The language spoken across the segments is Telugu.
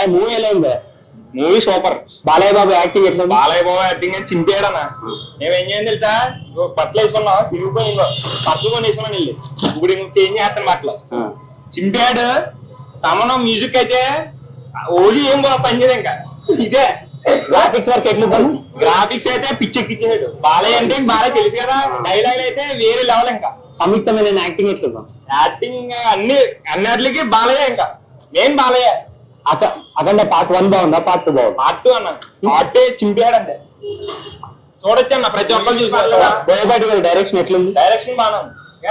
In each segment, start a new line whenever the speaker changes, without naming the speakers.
మూవీ ఎలా ఉంది?
Movie super.
Balayya Babu acting ఎట్లా?
బాలయ్య బాబు యాక్టింగ్ అని చింపేయడన్నా. మేమేం చేయం తెలుసా, బట్టలు వేసుకున్నాం, సిరుగుకొని బట్టలు కొని వేసుకున్నాను వెళ్ళి. ఇప్పుడు చేంజ్ చేస్తాను బట్టలు. చింపాడు. తమను మ్యూజిక్ అయితే ఓలీ ఏం పనిచేయదు ఇంకా. ఇదే
గ్రాఫిక్స్ వర్క్ ఎట్లా?
గ్రాఫిక్స్ అయితే పిచ్చెక్కిచ్చేసాడు. బాలయ్య అంటే బాలయ్య తెలుసు కదా, డైలాగ్ అయితే వేరే లెవెల్. ఇంకా
సంయుక్తమైన యాక్టింగ్ ఎట్లా?
యాక్టింగ్ అన్నిటికి బాలయ్య. ఇంకా మెయిన్ బాలయ్య.
అక్కడ పార్ట్ 1 బాగుందా, పార్ట్ 2 బాగుంది?
పార్ట్ 2 అన్న. పార్ట్ చింపాడు అంటే చూడొచ్చు అన్న, ప్రతి ఒక్కరు చూసారు.
బోయపాటి గారి డైరెక్షన్ ఎట్లుంది?
డైరెక్షన్ బాగుంది.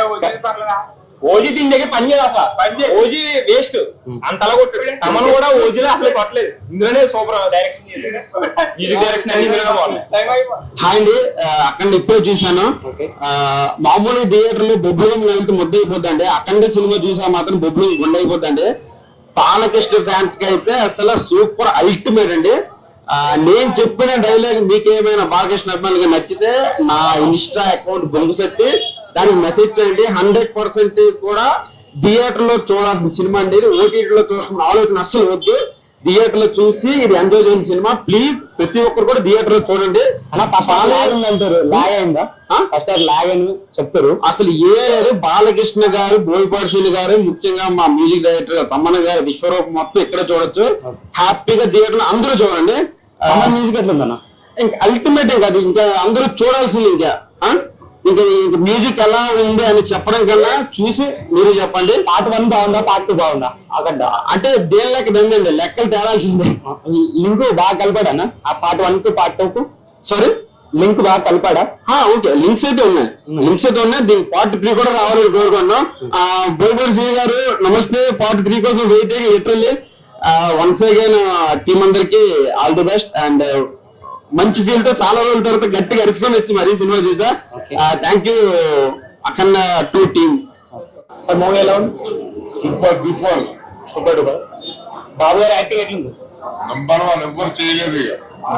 ఓజీ దీని దగ్గర పని చేయదు అసలు. ఓజీ వేస్ట్, అంతలా కొట్టాడు. తమను కూడా ఓజీలో అసలు కొట్టలేదు. ఇందులోనే సూపర్ డైరెక్షన్ చేశాడు. మ్యూజిక్ డైరెక్షన్ అన్ని ఇందులోనే బాగున్నాయి.
హాయ్ అండి, అక్కడ ఇప్పుడే చూసాను. మామూలు థియేటర్లు బొబ్బులం వెళ్తే ముద్ద అయిపోద్ది అండి. అఖండ సినిమా చూసా మాత్రం బొబ్బులం గుండె అయిపోద్ది అండి. బాలకృష్ణ ఫ్యాన్స్ కి అయితే అసలు సూపర్ అల్టిమేట్ అండి. నేను చెప్పిన డైలాగ్ మీకేమైనా బాలకృష్ణ అభిమానులుగా నచ్చితే నా ఇన్స్టా అకౌంట్ బొంగు సెట్టి దానికి మెసేజ్ చేయండి. 100% కూడా థియేటర్ లో చూడాల్సిన సినిమా అండి. ఓటీటీలో చూడాల్సిన ఆలోచన అస్సలు వద్దు. థియేటర్ లో చూసి ఇది ఎంజాయ్ చేసిన సినిమా. ప్లీజ్ ప్రతి ఒక్కరు కూడా థియేటర్ లో చూడండి.
అంటారు లాగ్ అయిందా? ఫస్ట్ లాగ్ అని చెప్తారు.
అసలు ఏ లేదు. బాలకృష్ణ గారు, బోయపాటి గారు, ముఖ్యంగా మా మ్యూజిక్ డైరెక్టర్ తమ్మన్న గారు, విశ్వరూపం మొత్తం ఇక్కడ చూడొచ్చు. హ్యాపీగా థియేటర్ లో అందరూ చూడండి.
మ్యూజిక్ ఎట్లుందన్న?
ఇంకా అల్టిమేట్ ఇంకా అది ఇంకా అందరూ చూడాల్సింది. ఇంకా మ్యూజిక్ ఎలా ఉంది అని చెప్పడం కన్నా చూసి మీరు చెప్పండి.
పార్ట్ 1 బాగుందా, పార్ట్ 2 బాగుందా? అక్కడ
అంటే దేని లెక్క దండి, లెక్కలు తేడాల్సిందే.
లింక్ బాగా కలిపాడన్నా ఆ పార్ట్ 1 కు పార్ట్ 2 కు?
సారీ,
లింక్ బాగా కలిపాడా?
ఓకే, లింక్స్ అయితే ఉన్నాయి. దీనికి పార్ట్ 3 కూడా రావాలని కోరుకున్నాం. బోయపాటి శ్రీ గారు నమస్తే. పార్ట్ 3 కోసం waiting literally. Once again team అందరికి ఆల్ ది బెస్ట్. అండ్ మంచి ఫీల్ తో చాలా రోజుల తర్వాత గట్టిగా అరుచుకొని వచ్చి మరీ సినిమా చూసా. Thank you Akhanda 2 team.
Movie ఎలా ఉంది?
Super duper.
Super duper. Babu గారి యాక్టింగ్ ఎట్లుంది?
నంబర్ 1. ఎవ్వరు చేయలేదు ఇక.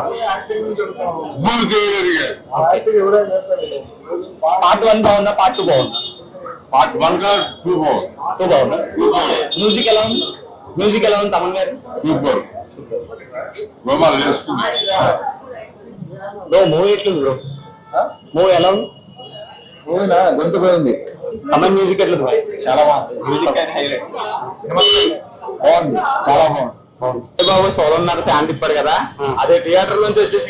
పార్ట్ 1 బాగుందా, పార్ట్ 2 బాగుందా?
పార్ట్ 1 గా 2 బాగుంది.
2 బాగుందా? మ్యూజిక్ ఎలా ఉంది? మ్యూజిక్ ఎలా ఉంది తమన్ గారు?
సూపర్. రోమాలు వేస్తుంది.
బ్రో మూవీ ఎట్లుంది బ్రో? మూవీ ఎలా ఉంది?
మూవీనా గొంతు పోయింది.
తమన్ మ్యూజిక్ ఎట్లుంది?
చాలా బాగుంది. మ్యూజిక్ అయితే హైలైట్.
బాగుంది, చాలా బాగుంది.
బాబు సోదరున్నారు ఫ్యాన్ తిప్పాడు కదా, అదే థియేటర్ నుంచి వచ్చేసి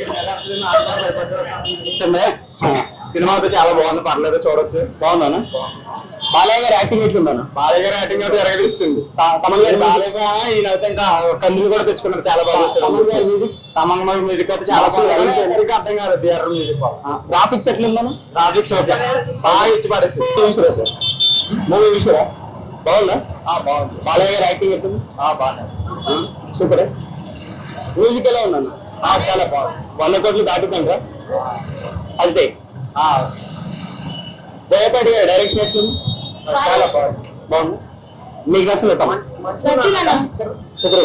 సినిమా అయితే చాలా బాగుంది. పర్లేదు, చూడొచ్చు.
బాగుందా? బాలయ్య గారి యాక్టింగ్ ఎట్లుందన్న?
బాలయ్య గారి యాక్టింగ్ అయితే ఎరగడిస్తుంది.
తమన్ గారి
బాలయ్య ఈయన అయితే ఇంకా కందులు కూడా తెచ్చుకున్నారు. చాలా బాగా తమన్ మ్యూజిక్ అయితే చాలా బాగుంది. అర్థం కాదు థియేటర్ మ్యూజిక్.
గ్రాఫిక్స్ ఎట్లుందన్న?
గ్రాఫిక్స్ ఓకే, బాగా ఇచ్చి పడేసి.
మూవీ విషయరా బాగుందా?
బాగుంది.
బాలయ్య గారి యాక్టింగ్ ఎట్లుంది?
బాగుంది.
సూపర్. మ్యూజిక్ ఎలా ఉందన్న?
చాలా బాగుంది.
100 కోట్లు దాటుతుంటారా? అదే బోయపాటి గారి డైరెక్షన్ ఎట్లుంది?
చాలా బాగుంది.
బాగుంది. మీకు నచ్చలేదు తమ? సూపర్.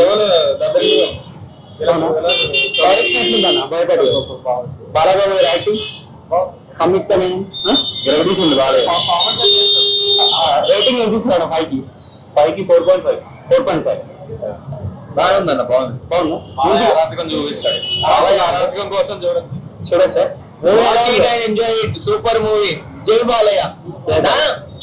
డైరెక్షన్ ఎట్లుందన్న బోయపాటి? బాలయ్య గారి యాక్టింగ్ సంయుక్తమైన
గెలవదీసింది బాలయ్య.
రేటింగ్ ఎంత ఇస్తున్నాడు? 5కి 4.5. 4.5
బాగుందన్న. బాగుంది.
బాగుందా?
అరాచకం చూపిస్తాడు. అరాచకం కోసం చూడొచ్చు.
చూడొచ్చు సార్.
ఎంజాయ్. Super movie. జై బాలయ్య.